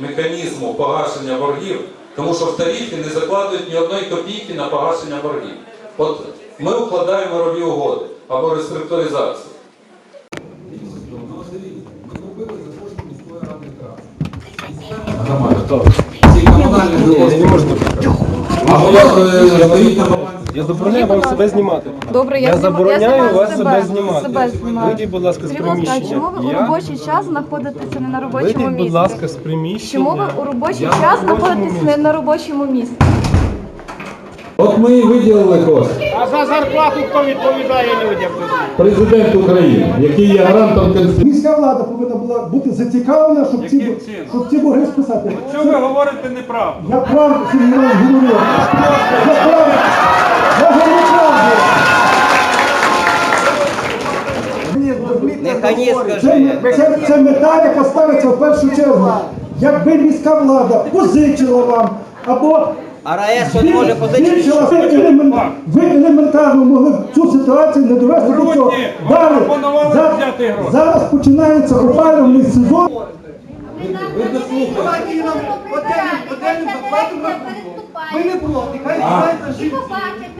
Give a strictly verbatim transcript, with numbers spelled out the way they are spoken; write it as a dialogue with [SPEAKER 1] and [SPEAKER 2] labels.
[SPEAKER 1] механізму погашення боргів, тому що в тарифі не закладують ні одної копійки на погашення боргів. От ми укладаємо мирові угоди або реструктуризацію.
[SPEAKER 2] Я забороняю вам себе знімати.
[SPEAKER 3] Добре, я,
[SPEAKER 2] Я забороняю вас себе
[SPEAKER 3] себе
[SPEAKER 2] знімати.
[SPEAKER 3] себе знімаю.
[SPEAKER 2] Вийдіть, будь ласка, з
[SPEAKER 3] Скажіть, будь ласка,
[SPEAKER 2] приміщення.
[SPEAKER 3] чому ви у
[SPEAKER 2] Я-
[SPEAKER 3] робочий час знаходитеся не на робочому
[SPEAKER 2] Вийдіть,
[SPEAKER 3] місці?
[SPEAKER 2] будь ласка, з приміщення.
[SPEAKER 3] Чому ви у робочий
[SPEAKER 2] Я
[SPEAKER 3] час
[SPEAKER 2] на робочому
[SPEAKER 3] знаходитесь не
[SPEAKER 2] місці.
[SPEAKER 3] на робочому місці?
[SPEAKER 4] От ми і виділили кошти.
[SPEAKER 5] А за зарплату хто відповідає людям?
[SPEAKER 4] Президент України, який є гарантом Конституції.
[SPEAKER 6] Міська влада повинна була бути зацікавлена, щоб ці,
[SPEAKER 5] Яким чином?
[SPEAKER 6] щоб ці борги списати.
[SPEAKER 5] Що ви говорите неправду?
[SPEAKER 6] Я правду Сергій Іванович говорю. Я правду. Я говорю правду.
[SPEAKER 7] Нехай скаже.
[SPEAKER 6] Це, це, це мета, яка ставиться в першу чергу. Якби міська влада позичила вам або
[SPEAKER 7] А РАЕС що не може позичити?
[SPEAKER 6] збільшила, ви, елемент- ви елементарно могли б цю ситуацію не довести до цього.
[SPEAKER 5] Грудні,
[SPEAKER 6] Далі,
[SPEAKER 5] вам пропонували
[SPEAKER 6] за-
[SPEAKER 5] взяти гроші.
[SPEAKER 6] зараз починається опалювальний сезон.
[SPEAKER 8] Ви не проти, хай знаєте жінці.